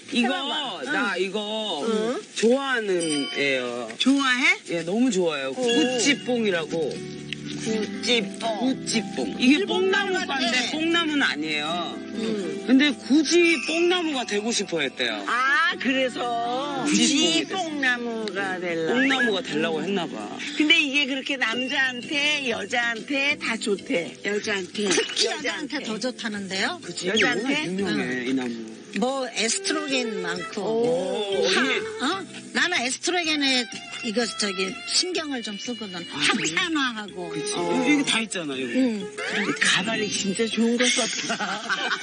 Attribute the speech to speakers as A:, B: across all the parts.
A: 이거 나 이거 좋아하는 애요.
B: 좋아해?
A: 예, 너무 좋아요. 구찌뽕이라고. 구찌뽕. 이게 뽕나무과인데 뽕나무는 아니에요. 근데 굳이 뽕나무가 되고 싶어 했대요.
B: 아, 그래서
A: 구찌뽕이 됐어.
B: 뽕나무가 되려고.
A: 뽕나무가 되려고 했나 봐.
B: 근데 이게 그렇게 남자한테 여자한테 다 좋대.
C: 여자한테.
D: 특히 여자한테 더 좋다는데요.
A: 그치?
B: 여자한테?
A: 워낙 유명해, 이 나무.
D: 뭐 에스트로겐 많고.
A: 오, 이게
D: 나는 에스트로겐에 이거 저기 신경을 좀 쓰거든. 항산화하고.
A: 그치. 이게 다 있잖아, 여기.
D: 응.
B: 가발이 진짜 좋은 거 썼다.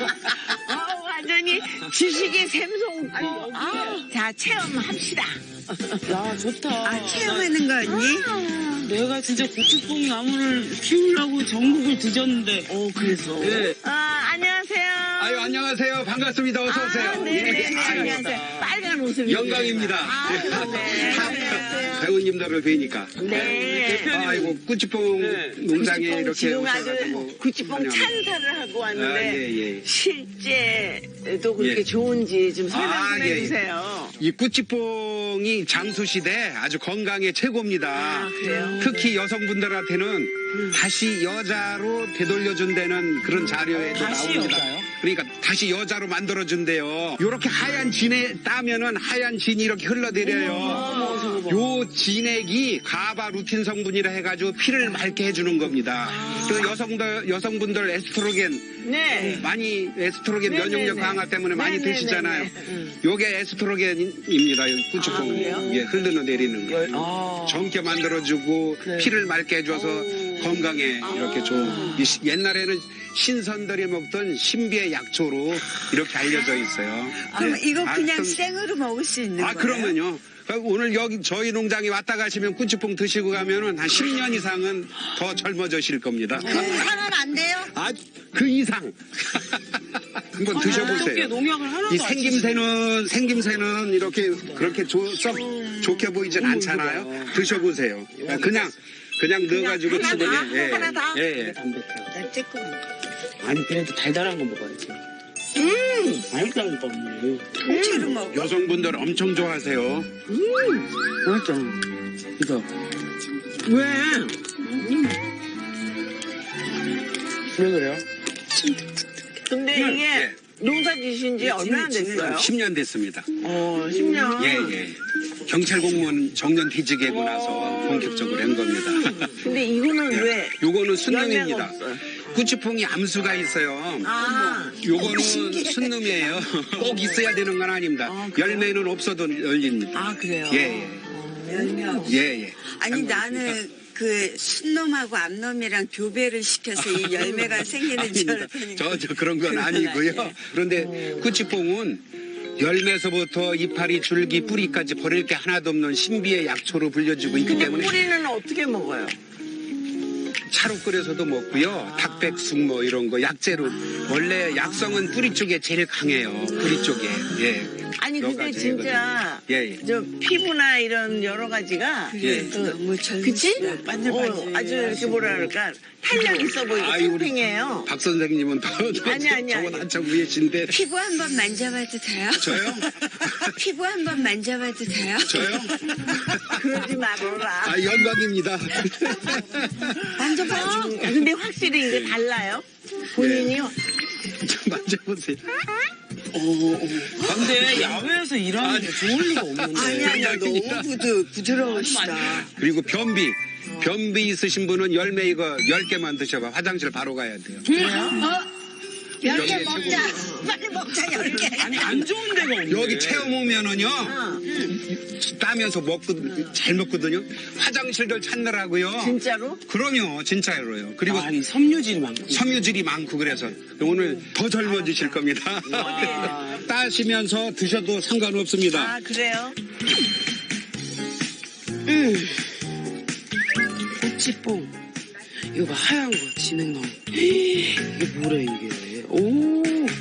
B: 완전히 지식의 샘솟고. 자, 체험합시다.
A: 야, 좋다.
C: 체험하는 거 언니?
A: 내가 진짜 고추뽕 나무를 키우려고 전국을 뒤졌는데.
B: 그래서.
A: 네.
B: 안녕하세요.
E: 아유, 안녕하세요. 반갑습니다. 어서오세요.
B: 네네네. 안녕하세요. 빨간 옷을.
E: 영광입니다.
B: 네.
E: 배우님들을 뵈니까.
B: 네.
E: 아이고, 꾸치뽕
A: 네.
E: 농장에 이렇게
B: 지금 아주
E: 오셔가지고.
B: 구찌뽕
E: 환영합니다.
B: 찬사를 하고 왔는데
E: 아, 예, 예.
B: 실제도 그렇게
E: 예.
B: 좋은지 좀 설명
E: 아,
B: 좀
E: 예, 예.
B: 해주세요.
E: 이 꾸치뽕이 장수시대 아주 건강에 최고입니다.
B: 그래요?
E: 특히 여성분들한테는 다시 여자로 되돌려준다는 그런 자료에도
A: 다시
E: 나옵니다.
A: 여자요?
E: 그러니까 다시 여자로 만들어준대요. 요렇게 하얀 진에 따면은 하얀 진이 이렇게 흘러내려요. 요 진액이 가바 루틴 성분이라 해가지고 피를 맑게 해주는 겁니다. 그 여성분들 에스트로겐
B: 네.
E: 많이 에스트로겐
B: 네네네.
E: 면역력 강화 때문에 많이
B: 네네네네.
E: 드시잖아요. 요게 에스트로겐입니다. 요 꾸치뽕
B: 그래요?
E: 예, 흘러내리는 거.
A: 아.
E: 젊게 만들어주고
A: 네.
E: 피를 맑게 해줘서 건강에 이렇게 좋은. 옛날에는 신선들이 먹던 신비의 약초로 이렇게 알려져 있어요.
C: 그럼
E: 네.
C: 이거 그냥
E: 그럼-
C: 생으로 먹을 수 있는 거예요?
E: 그러면요. 오늘 여기 저희 농장에 왔다 가시면 꾸치뽕 드시고 가면은 한 10년 이상은 더 젊어지실 겁니다.
D: 하면 안 돼요?
E: 그 이상. 한번
A: 어떻게
E: 드셔보세요.
A: 농약을 하나도
E: 이
A: 안 치시네.
E: 생김새는 이렇게 그렇게 썩 좋게 보이진 않잖아요. 드셔보세요. 그냥 넣어가지고
B: 하나
E: 집에.
B: 다? 하나 다?
E: 예.
C: 나 조금.
A: 아니, 그래도 달달한 거 먹어야지. 맛있다니까, 언니.
C: 통째로 먹어.
E: 여성분들 엄청 좋아하세요.
A: 맛있잖아. 이거. 왜? 왜 그래요?
B: 근데 이게
E: 예.
B: 농사 지신 지 얼마나 됐어요?
E: 10년 됐습니다.
B: 10년.
E: 예. 경찰 공무원 정년 퇴직하고 나서 본격적으로 한 겁니다.
B: 근데 이거는 왜?
E: 요거는
B: 열매가
E: 순놈입니다.
B: 없어요?
E: 꾸치뽕이 암수가 있어요.
B: 아,
E: 요거는 순놈이에요. 꼭 있어야 되는 건 아닙니다. 열매는 없어도 열립니다.
B: 아 그래요?
E: 예.
C: 열매 없어.
E: 예.
C: 아니 나는 그 순놈하고 암놈이랑 교배를 시켜서 이 열매가 생기는 줄 알았더니
E: 저 그런 건 아니고요. 그런데 꾸치뽕은 열매서부터 이파리, 줄기, 뿌리까지 버릴 게 하나도 없는 신비의 약초로 불려지고 있기
B: 근데
E: 때문에
B: 뿌리는 어떻게 먹어요?
E: 차로 끓여서도 먹고요. 닭백숙 뭐 이런 거 약재로. 원래 약성은 뿌리 쪽에 제일 강해요. 뿌리 쪽에. 예.
B: 아니
E: 여러
B: 근데
E: 가지
B: 진짜
E: 예.
B: 저 피부나 이런 여러 가지가
E: 예.
C: 너무 젊은
B: 그치?
C: 반질반질.
B: 아주 이렇게 뭐라 그럴까 탄력 있어 보이고
E: 아이, 우리
B: 팽팽해요.
E: 박 선생님은 더
B: 아니.
E: 저건 한참 위에신데.
C: 피부 한번 만져봐도 돼요?
E: 저요?
C: 피부 한번 만져봐도 돼요?
E: 저요?
B: 그러지 말아라.
E: 영광입니다.
C: 만져봐.
B: 근데 확실히 이게 달라요? 본인이요?
E: 좀 만져보세요.
A: 근데 야외에서 일하는 게 좋을 리가 없는데.
C: 아니야 너무 부드러우시다.
E: 그리고 변비 있으신 분은 열매 이거 10개만 드셔봐. 화장실 바로 가야 돼요.
D: 10개 먹자. 빨리 먹자, 10개.
A: 아니, 안 좋은 데가 없네.
E: 여기 체험 오면은요, 따면서 잘 먹거든요. 화장실들 찾느라고요.
B: 진짜로?
E: 그럼요, 진짜로요. 그리고
A: 아, 이 섬유질이 많고.
E: 섬유질이 많고 그래서 오늘 더 젊어지실 겁니다. 따시면서 드셔도 상관없습니다.
B: 아 그래요?
A: 꼬치뽕. 이거 봐, 하얀 거, 진액 나온 거. 이게 뭐래, 이게. 오.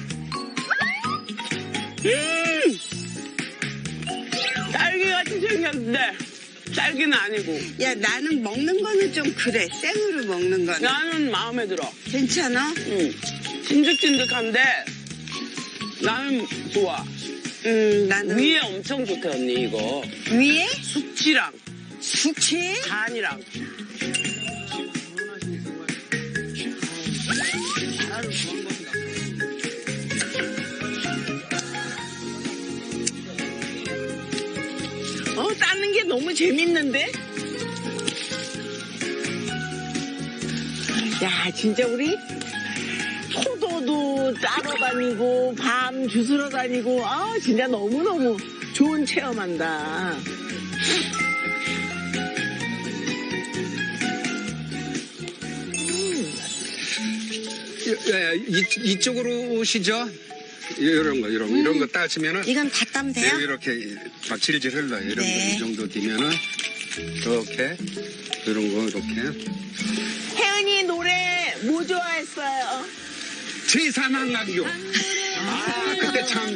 A: 딸기 같이 생겼는데, 딸기는 아니고.
C: 야 나는 먹는 거는 좀 그래. 생으로 먹는 거는.
A: 나는 마음에 들어.
C: 괜찮아?
A: 응. 찐득찐득한데, 나는 좋아.
C: 나는
A: 위에 엄청 좋대 언니 이거.
D: 위에
A: 숙취랑
D: 숙취?
A: 간이랑.
B: 따는 게 너무 재밌는데? 야, 진짜 우리 포도도 따러 다니고, 밤 주스러 다니고, 진짜 너무너무 좋은 체험한다.
E: 이쪽으로 오시죠. 이런 거 따시면은
D: 이건 다 따면 돼요?
E: 이렇게 막 질질 흘러요. 이런
D: 네.
E: 거 이 정도 되면은 이렇게 이런 거 이렇게
B: 혜은이 노래 뭐 좋아했어요?
E: 제3한강교. 그때 참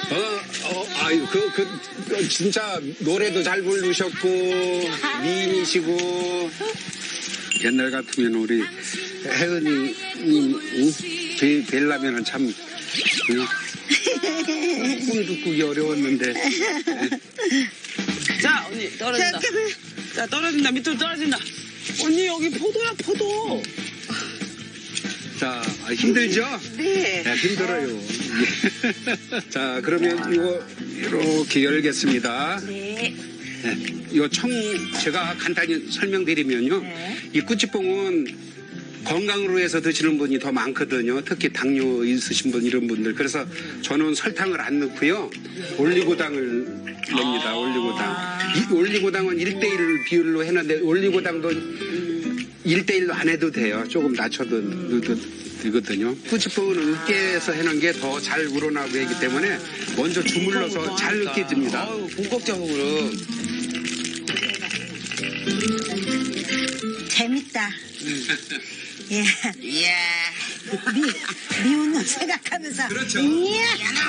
E: 진짜 노래도 잘 부르셨고 미인이시고 옛날 같으면 우리 혜은이님 뵈려면은 참 꿈도 꾸기 어려웠는데.
A: 자 언니 떨어진다. 자 떨어진다 밑으로 떨어진다. 언니 여기 포도야 포도.
E: 자, 힘들죠?
B: 네.
E: 네, 힘들어요. 자, 그러면 이거 이렇게 열겠습니다.
B: 네.
E: 네, 이거 제가 간단히 설명드리면요. 이 꾸치뽕은 건강으로 해서 드시는 분이 더 많거든요. 특히 당뇨 있으신 분 이런 분들. 그래서 저는 설탕을 안 넣고요. 올리고당을 냅니다. 올리고당. 이 올리고당은 1대1 비율로 해놨는데 올리고당도 1대1로 안 해도 돼요. 조금 낮춰도 넣어도 되거든요. 꾸치뽕은 으깨서 해놓은 게 더 잘 우러나고 하기 때문에 먼저 주물러서 잘 으깨집니다.
A: 아유 본격적으로.
D: 재밌다. 예.
A: 이야.
D: 미운 놈 생각하면서.
E: 그렇죠.
D: 이야.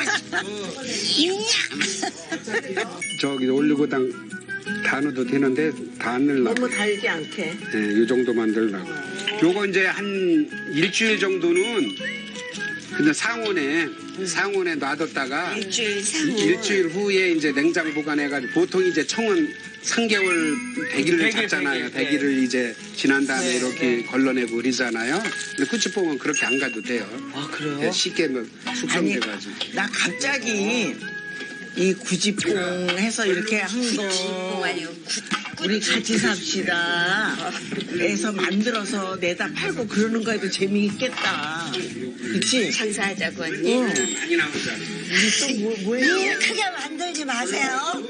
E: 저기 올리고당 다 넣어도 되는데 다 안 넣으려고.
B: 너무 달지 않게.
E: 네, 이 정도 만들려고. 요거 이제 한 일주일 정도는 그냥 상온에 놔뒀다가 일주일 후에 이제 냉장 보관해가지고 보통 이제 청은 3개월 100일을 잡잖아요. 100일을 이제 지난 다음에 이렇게 걸러내고 그러잖아요. 근데 꾸치뽕은 그렇게 안 가도 돼요.
A: 아 그래요?
E: 네, 쉽게 뭐 숙성돼가지고.
B: 나 갑자기 이 구지뽕 해서 이렇게 한 거 우리 같이 삽시다 해서 만들어서 내다 팔고 그러는 거에도 재미있겠다. 그치?
C: 장사하자고 언니.
E: 많이 나오잖아.
B: 우리 또 뭐 해요?
D: 크게 만들지 마세요.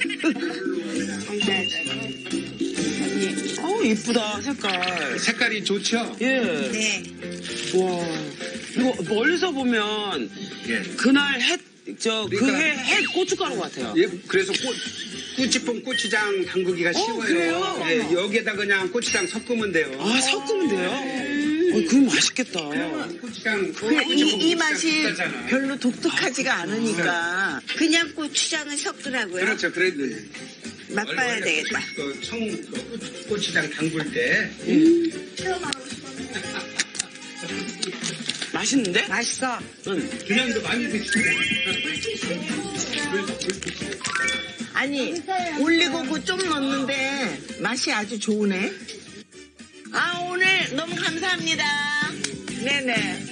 A: 이쁘다 색깔.
E: 색깔이 좋죠?
A: 예.
D: 네.
A: 와. 이거 멀리서 보면
E: 예.
A: 그날
E: 그러니까-
A: 해 고춧가루 같아요.
E: 예, 그래서 꾸치뽕 고추장 담그기가 쉬워요.
A: 그래요?
E: 예, 여기에다 그냥 고추장 섞으면 돼요.
A: 아 섞으면 돼요? 그럼 맛있겠다.
E: 고추장
B: 이 맛이 별로 독특하지가 않으니까.
C: 그냥 고추장을 섞으라고요.
E: 그렇죠. 그래도
C: 맛봐야 되겠다.
E: 고추장 담글 때
A: 맛있는데?
C: 맛있어.
E: 그냥도 많이 드시고.
B: 아니 올리고구 좀 넣었는데 맛이 아주 좋으네. 오늘 너무 감사합니다. 네네.